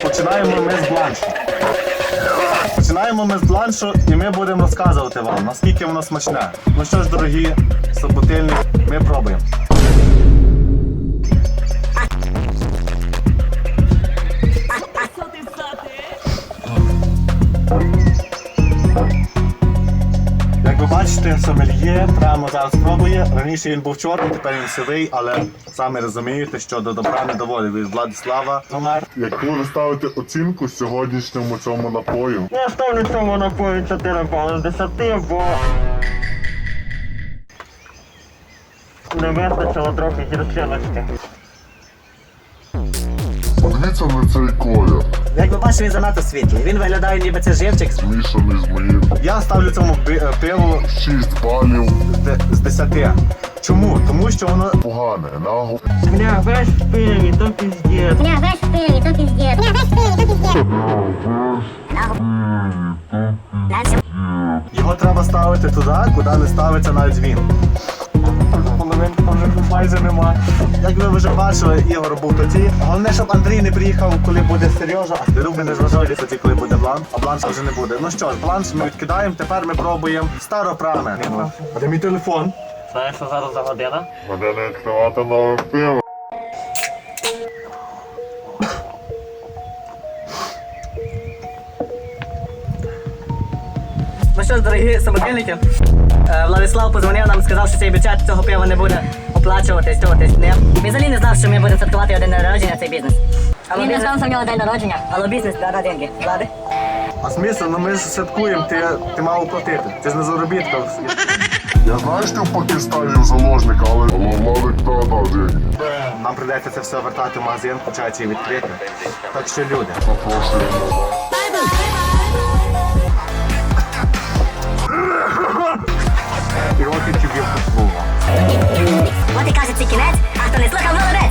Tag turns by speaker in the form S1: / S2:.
S1: Починаємо ми з бланшу. Починаємо ми з бланшу і ми будемо розказувати вам, наскільки воно смачне. Ну що ж, дорогі суботильні, ми пробуємо. Як ви бачите, сомельє прямо зараз пробує. Раніше він був чорний, тепер він сивий, але самі розумієте, що до добра не доводить. Від Владислава Гомер.
S2: Яку ви ставите оцінку сьогоднішньому цьому напою?
S3: Я ставлю цьому напою 4 бали з 10, бо не вистачило трохи гірчиночки.
S2: Подивіться на цей колір,
S4: Як ви бачите, він занадто світлий. Він виглядає, ніби це живчик.
S2: змішаний з моїм.
S1: Я ставлю цьому пиву
S2: 6 балів.
S1: з 10. Чому? Тому що воно
S2: Погане, наго.
S3: Бля, весь в пиві, то піздець.
S5: Бля, весь в пиве, то пиздец. Бля, весь в пиве, то пиздец.
S1: його треба ставити туди, куди не ставиться навіть він.
S3: Половинки вже майже нема.
S1: Як ви вже бачили, Ігор був тоді. Головне, щоб Андрій не приїхав, коли буде Сережа, а Руби не зважали тоді, коли буде бланш, а бланша вже не буде. Ну що ж, бланш ми відкидаємо, тепер ми пробуємо старопраме. А де мій телефон?
S3: Знаєш, що зараз за година?
S2: Мене не відкривати нове пиво.
S4: Ну що ж, дорогі самотільники, Владислав позвонив нам, сказав, що цей бюджет цього пива не буде оплачуватись, не. Він взагалі не знав, що ми будемо святкувати один день народження, цей бізнес.
S5: Він не знав, що в нього день народження.
S4: Але бізнес дара деньги. Влади?
S1: А смисл, ну ми ж святкуємо, ти мав оплатити. Ти ж не заробітка.
S2: Я знаю, що в Пакистані в заложника, але Владик дав деньги.
S1: Нам прийдеться це все вертати в магазин, включаючи і відкрити. Так що люди.
S2: Запрошуємо.
S1: І років тобі послуга.
S5: От і каже, це кінець, а хто не слухав, молодець.